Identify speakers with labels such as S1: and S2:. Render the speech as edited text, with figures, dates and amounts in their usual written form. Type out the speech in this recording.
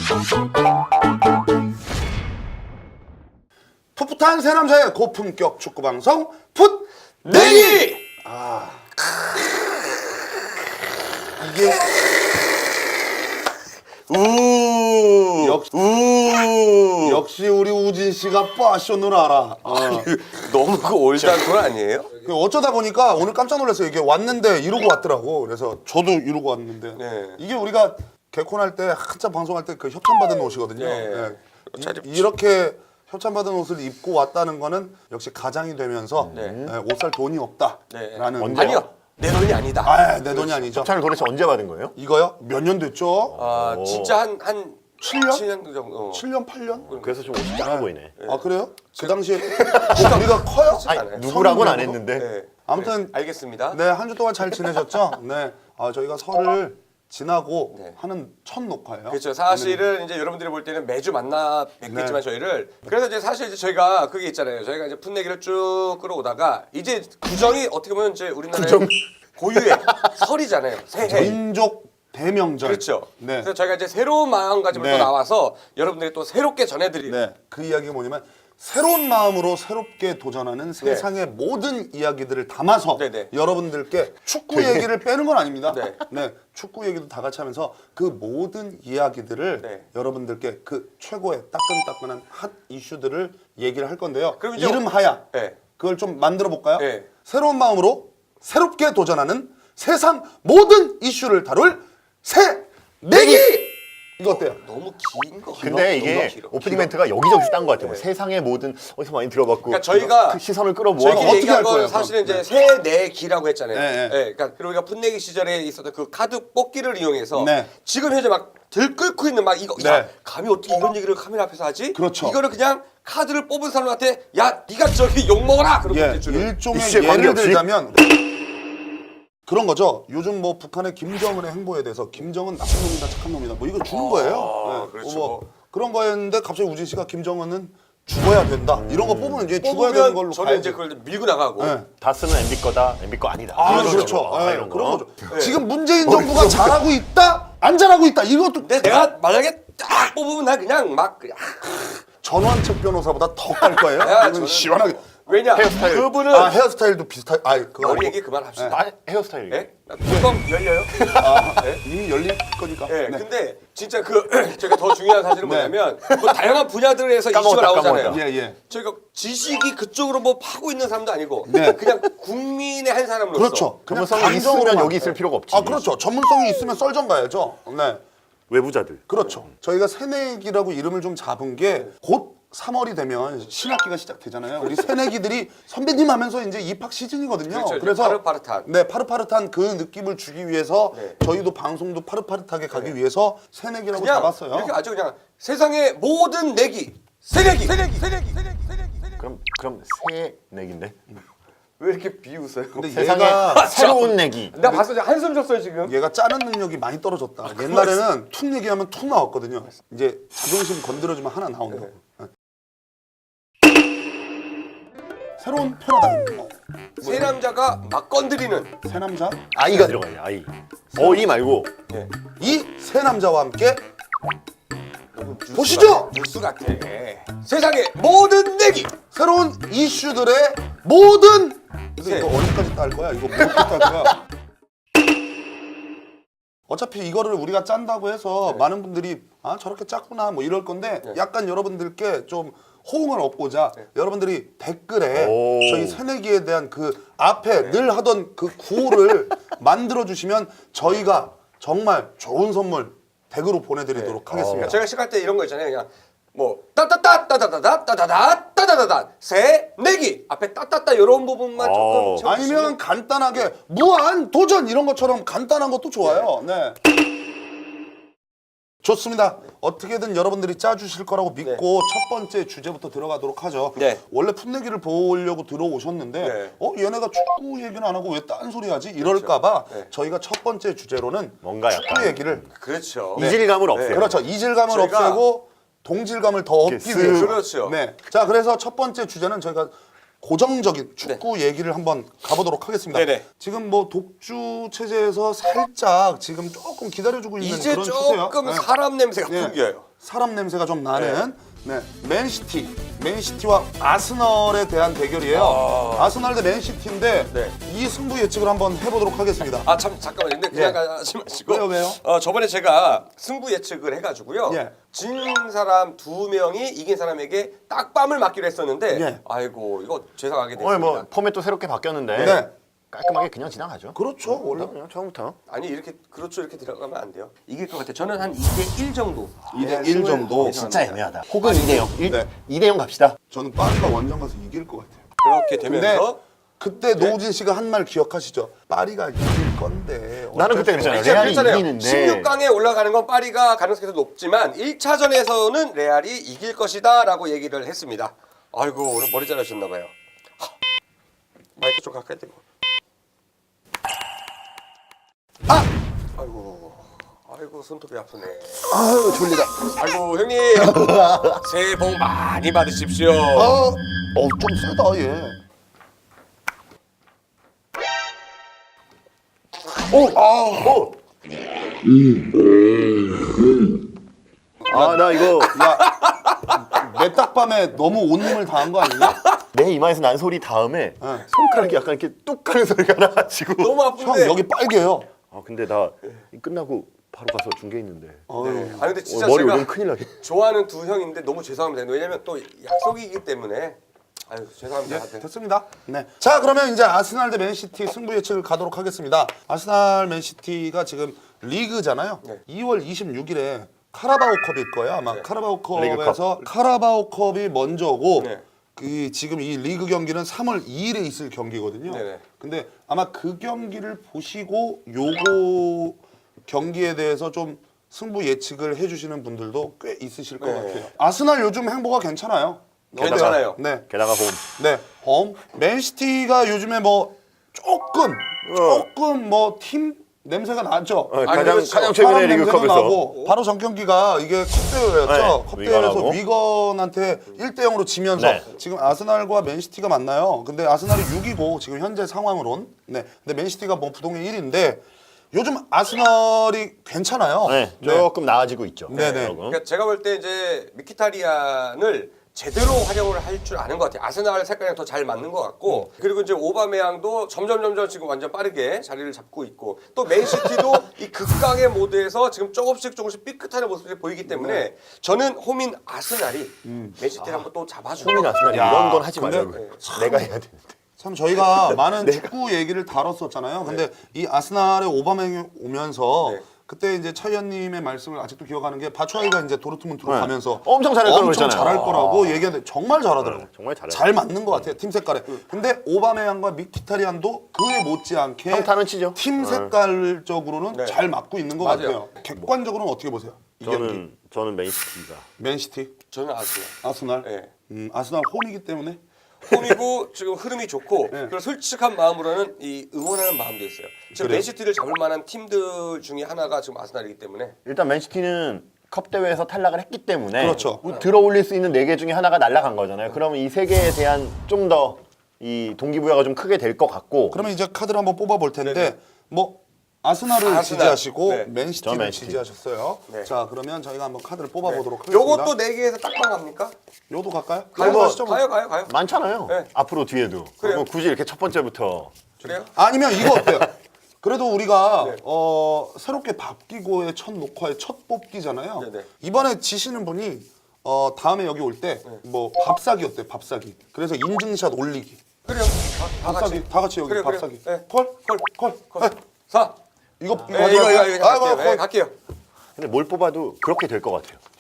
S1: 풋풋한 세 남자의 고품격 축구 방송 풋내기. 이게 역시 우리 우진 씨가 빠쇼를 알아.
S2: 너무 그 올드한 아니에요?
S1: 어쩌다 보니까 오늘 깜짝 놀랐어요. 이게 왔는데 이러고 왔더라고. 그래서 저도 이러고 왔는데 이게 우리가 개콘할 때 한참 방송할 때 그 협찬받은 옷이거든요. 이렇게 협찬받은 옷을 입고 왔다는 거는 역시 가장이 되면서 옷 살 돈이 없다라는.
S2: 아니요, 내 돈이 아니다.
S1: 아, 내 돈이 아니죠.
S3: 협찬을 도대체 언제 받은 거예요?
S1: 이거요? 몇 년 됐죠?
S2: 진짜 한
S1: 7년?
S2: 7년 정도.
S1: 7년, 8년?
S3: 그래서 좀 옷이 작아 보이네.
S1: 아, 그래요? 그 당시에 뭐 우리가 커요?
S3: 아니, 누구라고는 안 했는데.
S1: 아무튼
S2: 알겠습니다.
S1: 네, 한 주 동안 잘 지내셨죠? 네. 저희가 설을 지나고 하는 첫 녹화예요.
S2: 그렇죠. 사실은 이제 여러분들이 볼 때는 매주 만나 뵙겠지만 저희를 그래서 이제 사실 이제 저희가 그게 있잖아요. 저희가 이제 풋내기를 쭉 끌어오다가 이제 구정이 어떻게 보면 이제 우리나라의 고유의 설이잖아요. 새해.
S1: 민족 대명절.
S2: 그렇죠.
S1: 네.
S2: 그래서 저희가 이제 새로운 마음가짐으로 또 나와서 여러분들이 또 새롭게 전해드릴.
S1: 네. 그 이야기가 뭐냐면 새로운 마음으로 새롭게 도전하는 세상의 모든 이야기들을 담아서 여러분들께 축구 얘기를 빼는 건 아닙니다. 네. 축구 얘기도 다 같이 하면서 그 모든 이야기들을 여러분들께 그 최고의 따끈따끈한 핫 이슈들을 얘기를 할 건데요.
S2: 그럼 이제
S1: 이름하야 그걸 좀 만들어 볼까요? 새로운 마음으로 새롭게 도전하는 세상 모든 이슈를 다룰 새 내기! 이거 어때요?
S2: 너무 긴 거.
S3: 근데 이게 오프닝 멘트가 여기저기서 딴 것 같아요. 뭐 세상의 모든 어디서 많이 들어봤고.
S2: 그러니까 저희가
S3: 그 시선을 끌어모아서
S2: 저희끼리
S1: 어떻게 할
S2: 얘기한 건
S1: 거예요,
S2: 사실은
S1: 그럼?
S2: 이제 새내기라고 했잖아요.
S1: 네.
S2: 그러니까 그리고 우리가 풋내기 시절에 있었던 그 카드 뽑기를 이용해서
S1: 네.
S2: 지금 현재 막 들끓고 있는 막 이거 야, 감히 어떻게 이런 얘기를 카메라 앞에서 하지?
S1: 그렇죠.
S2: 이거를 그냥 카드를 뽑은 사람한테 야 네가 저기 욕 먹어라. 그러고 이제 주는.
S1: 일종의
S3: 이슈에
S1: 예를
S3: 관계없이?
S1: 들자면 그런 거죠. 요즘 뭐 북한의 김정은의 행보에 대해서 김정은 나쁜 놈이다 착한 놈이다 뭐 이거 주는 거예요.
S2: 그렇죠.
S1: 뭐 그런 거였는데 갑자기 우진 씨가 김정은은 죽어야 된다 이런 거 뽑으면 이제 죽어야 되는
S2: 뽑으면
S1: 걸로
S2: 저는
S1: 가야지.
S2: 이제 그걸 밀고 나가고.
S3: 다스는 MB 거다, MB 거 아니다.
S1: 그렇죠.
S3: 이런 거.
S1: 그런 거죠. 지금 문재인 정부가 잘하고 있다, 안 잘하고 있다 이것도
S2: 근데 내가 만약에 딱 뽑으면 나 그냥 막 그냥
S1: 전원책 변호사보다 더 깔 거예요.
S2: 야,
S1: 이건
S2: 저는-
S1: 시원하게.
S2: 왜냐
S3: 헤어스타일.
S2: 그분은
S1: 헤어스타일도 비슷할. 그거
S2: 머리 얘기 그만합시다.
S3: 아, 헤어스타일.
S2: 예? 뚜껑 열려요?
S1: 이미 열릴 거니까.
S2: 네,
S1: 네.
S2: 근데 진짜 그 제가 더 중요한 사실은 뭐냐면 뭐 다양한 분야들에서 이슈가
S3: 까먹었다,
S2: 나오잖아요.
S3: 까먹었다.
S1: 예.
S2: 저희가 지식이 그쪽으로 뭐 파고 있는 사람도 아니고
S1: 네.
S2: 그냥 국민의 한 사람으로서
S1: 그렇죠. 그냥
S3: 전문성이 있으면
S1: 감정으로만.
S3: 여기 있을 필요가 없지.
S1: 그렇죠. 전문성이 있으면 썰전 가야죠. 네.
S3: 외부자들.
S1: 그렇죠. 저희가 새내기라고 이름을 좀 잡은 게 곧 3월이 되면 신학기가 시작되잖아요. 우리 새내기들이 선배님 하면서 이제 입학 시즌이거든요.
S2: 그렇죠.
S1: 그래서
S2: 파릇파릇한.
S1: 네, 파릇파릇한 그 느낌을 주기 위해서 저희도 방송도 파릇파릇하게 가기 위해서 새내기라고
S2: 그냥
S1: 잡았어요.
S2: 이렇게 아주 그냥 세상의 모든 내기 새내기.
S3: 그럼 새 내기인데.
S2: 왜 이렇게 비웃어요?
S1: 근데
S3: 세상에
S1: 얘가
S3: 새로운 내기.
S2: 나 봤어, 한숨 줬어요 지금.
S1: 얘가 짜는 능력이 많이 떨어졌다. 옛날에는 툭 얘기하면 툭 나왔거든요. 이제 자존심 건드려주면 하나 나온다고. 네. 새로운 패러다임.
S2: 세 남자가 막 건드리는.
S1: 새 남자.
S3: 아이가 들어가요. 아이. 어이 말고.
S1: 이 새 남자와 함께 보시죠.
S2: 뉴스 같아. 세상의 모든 내기.
S1: 새로운 이슈들의 모든. 근데 이거 어디까지 딸 거야? 이거 어디까지 딸 거야? 어차피 이거를 우리가 짠다고 해서 많은 분들이 저렇게 짰구나 뭐 이럴 건데 약간 여러분들께 좀 호응을 얻고자 여러분들이 댓글에 저희 새내기에 대한 그 앞에 늘 하던 그 구호를 만들어 주시면 저희가 정말 좋은 선물 댁으로 보내드리도록 하겠습니다.
S2: 제가 시작할 때 이런 거 있잖아요. 그냥 뭐 따따따 따다다다 따다다 따다다다 새내기 앞에 따따따 이런 부분만 조금 채워주시면.
S1: 아니면 간단하게 무한 도전 이런 것처럼 간단한 것도 좋아요. 네. 좋습니다. 어떻게든 여러분들이 짜주실 거라고 믿고 첫 번째 주제부터 들어가도록 하죠. 원래 풋내기를 보려고 들어오셨는데 얘네가 축구 얘기는 안 하고 왜 딴 소리 하지? 이럴까봐 저희가 첫 번째 주제로는
S3: 뭔가
S1: 축구
S3: 약간
S1: 얘기를
S2: 그렇죠.
S3: 이질감을 없애요.
S1: 그렇죠. 이질감을
S2: 저희가
S1: 없애고 동질감을 더 얻기
S3: 쓱.
S1: 위해서.
S2: 그렇죠.
S1: 네. 자, 그래서 첫 번째 주제는 저희가 고정적인 축구 얘기를 한번 가보도록 하겠습니다. 지금 뭐 독주 체제에서 살짝 지금 조금 기다려주고 있는
S2: 이제
S1: 그런 추세요.
S2: 조금 사람 냄새가 풍겨요.
S1: 사람 냄새가 좀 나는 네, 맨시티와 아스널에 대한 대결이에요. 아스널 대 맨시티인데
S2: 네.
S1: 이 승부 예측을 한번 해보도록 하겠습니다.
S2: 아 참 잠깐만요. 근데 그냥
S1: 예.
S2: 가지 마시고.
S1: 왜요?
S2: 저번에 제가 승부 예측을 해가지고요.
S1: 예.
S2: 진 사람 2명이 이긴 사람에게 딱밤을 맞기로 했었는데
S1: 예.
S2: 아이고 이거 죄송하게 됐습니다.
S3: 오늘 뭐 포맷도 새롭게 바뀌었는데
S1: 네.
S3: 깔끔하게 그냥 지나가죠.
S1: 그렇죠. 원래
S3: 그냥 처음부터.
S2: 아니 이렇게 그렇죠 이렇게 들어가면 안 돼요. 이길 것 같아요. 저는 한 2대1 정도.
S1: 2대1 정도.
S3: 진짜 애매하다. 혹은 2대0.
S1: 네.
S3: 2대0 갑시다.
S1: 저는 파리가 원정 가서 이길 것 같아요.
S2: 그렇게
S1: 근데
S2: 되면서
S1: 그때 노우진 씨가 한 말 기억하시죠? 파리가 이길 건데.
S3: 나는 그때 그랬잖아요.
S2: 제가
S3: 레알이
S2: 그랬잖아요.
S3: 이기는데
S2: 16강에 올라가는 건 파리가 가능성이 더 높지만 1차전에서는 레알이 이길 것이다라고 얘기를 했습니다. 아이고 오늘 머리 잘하셨나 봐요. 마이크 좀 가까이 대고. 아이고 손톱이 아프네.
S1: 아유 졸리다.
S2: 아이고 형님 새해 복 많이 받으십시오.
S1: 좀 세다 얘.
S3: 나 이거
S1: 내 딱밤에 너무 온님을 다한 거 아니냐?
S3: 내 이마에서 난 소리 다음에 손가락이 약간 이렇게 뚝 하는 소리가 나가지고
S2: 너무
S1: 형
S2: 아픈데.
S1: 여기 빨개요.
S3: 근데 나 끝나고 바로 가서 중계 있는데
S2: 네. 아 근데 진짜
S3: 머리
S2: 제가
S3: 오면 큰일 나게.
S2: 좋아하는 두 형인데 너무 죄송합니다. 왜냐면 또 약속이기 때문에 아유 죄송합니다. 하여튼.
S1: 됐습니다. 네. 자 그러면 이제 아스날 대 맨시티 승부 예측을 가도록 하겠습니다. 아스날 맨시티가 지금 리그잖아요.
S2: 네.
S1: 2월 26일에 카라바오컵일 거예요. 아마
S2: 네.
S1: 카라바오컵에서 카라바오컵이 먼저고
S2: 네.
S1: 그 지금 이 리그 경기는 3월 2일에 있을 경기거든요.
S2: 네네.
S1: 근데 아마 그 경기를 보시고 요거 경기에 대해서 좀 승부 예측을 해주시는 분들도 꽤 있으실 것
S2: 네.
S1: 같아요. 아스날 요즘 행보가 괜찮아요.
S2: 괜찮아요.
S1: 어때요? 네.
S3: 게다가 홈.
S1: 네, 맨시티가 요즘에 뭐 조금 뭐 팀 냄새가 나죠.
S3: 가장
S2: 그렇죠.
S3: 가장 최근에
S1: 사람 냄새도
S3: 리그컵에서
S1: 나고 바로 전 경기가 이게 컵대회였죠.
S3: 네,
S1: 컵대회에서
S3: 위건하고.
S1: 위건한테 1대0으로 지면서
S3: 네.
S1: 지금 아스날과 맨시티가 만나요. 근데 아스날이 6위고 지금 현재 상황으론 네, 근데 맨시티가 뭐 부동의 1위인데 요즘 아스날이 괜찮아요.
S3: 네, 조금 나아지고 있죠.
S1: 네네.
S3: 조금.
S2: 그러니까 제가 볼 때 이제 미키타리안을 제대로 활용을 할 줄 아는 것 같아요. 아스날 색깔이랑 더 잘 맞는 것 같고 그리고 이제 오바메양도 점점 지금 완전 빠르게 자리를 잡고 있고 또 맨시티도 이 극강의 모드에서 지금 조금씩 삐끗하는 모습이 보이기 때문에 저는 홈인 아스날이 맨시티를 한번 또 잡아주고
S3: 홈이 났으면
S1: 야,
S3: 이런 건 하지
S1: 근데
S3: 말라고. 내가 해야 되는데.
S1: 참 저희가 많은 축구 얘기를 다뤘었잖아요. 근데 이 아스날의 오바메양이 오면서
S2: 네.
S1: 그때 이제 차 의원님의 말씀을 아직도 기억하는 게 바추아이가 이제 도르트문트로
S3: 네.
S1: 가면서
S3: 엄청 잘할 거라고
S1: 엄청
S3: 그랬잖아요.
S1: 잘할 거라고 얘기하는데 정말 잘하더라고요.
S3: 네, 정말 잘해요.
S1: 잘 맞는 것 같아요. 팀 색깔에. 근데 오바메양과 미키타리안도 그에 못지않게
S3: 평타는 치죠.
S1: 팀 색깔적으로는
S2: 네.
S1: 잘 맞고 있는 것
S2: 맞아요.
S1: 같아요. 객관적으로는 어떻게 보세요? 이 경기.
S3: 저는 맨시티가.
S1: 맨시티,
S2: 저는 아스날.
S1: 아스날.
S2: 네.
S1: 아스날 홈이기 때문에
S2: 홈이고 지금 흐름이 좋고
S1: 네.
S2: 그리고 솔직한 마음으로는 이 응원하는 마음도 있어요. 지금
S1: 그래요?
S2: 맨시티를 잡을 만한 팀들 중에 하나가 지금 아스날이기 때문에
S3: 일단 맨시티는 컵 대회에서 탈락을 했기 때문에
S1: 그렇죠.
S3: 뭐 들어올릴 수 있는 4개 중에 하나가 날아간 거잖아요. 그러면 이 3개에 대한 좀 더 이 동기부여가 좀 크게 될 것 같고.
S1: 그러면 이제 카드를 한번 뽑아볼 텐데
S2: 네네.
S1: 뭐 아스날을
S2: 아스날.
S1: 지지하시고
S2: 네.
S1: 맨시티를
S3: 저 맨시티.
S1: 지지하셨어요.
S2: 네.
S1: 자 그러면 저희가 한번 카드를 뽑아보도록 하겠습니다.
S2: 요것도 4개에서 딱방 갑니까?
S1: 요도 갈까요?
S2: 가요,
S1: 요거 하시죠, 뭐.
S2: 가요.
S3: 많잖아요.
S2: 네.
S3: 앞으로 뒤에도.
S2: 그래요.
S3: 뭐 굳이 이렇게 첫 번째부터.
S2: 그래요?
S1: 아니면 이거 어때요? 그래도 우리가
S2: 네.
S1: 새롭게 바뀌고의 첫 녹화의 첫 뽑기잖아요.
S2: 네네.
S1: 이번에 지시는 분이 다음에 여기 올 때 뭐 밥사기 어때? 밥사기. 그래서 인증샷 올리기.
S2: 그래요. 다 같이.
S1: 밥사기 다 같이 여기
S2: 그래요,
S1: 밥사기.
S2: 그래요. 네.
S1: 콜? 콜?
S2: 4.
S1: 이거
S2: 이거 갈게요.
S1: 콜.
S2: 갈게요.
S3: 근데 뭘 뽑아도 그렇게 될 것 같아요.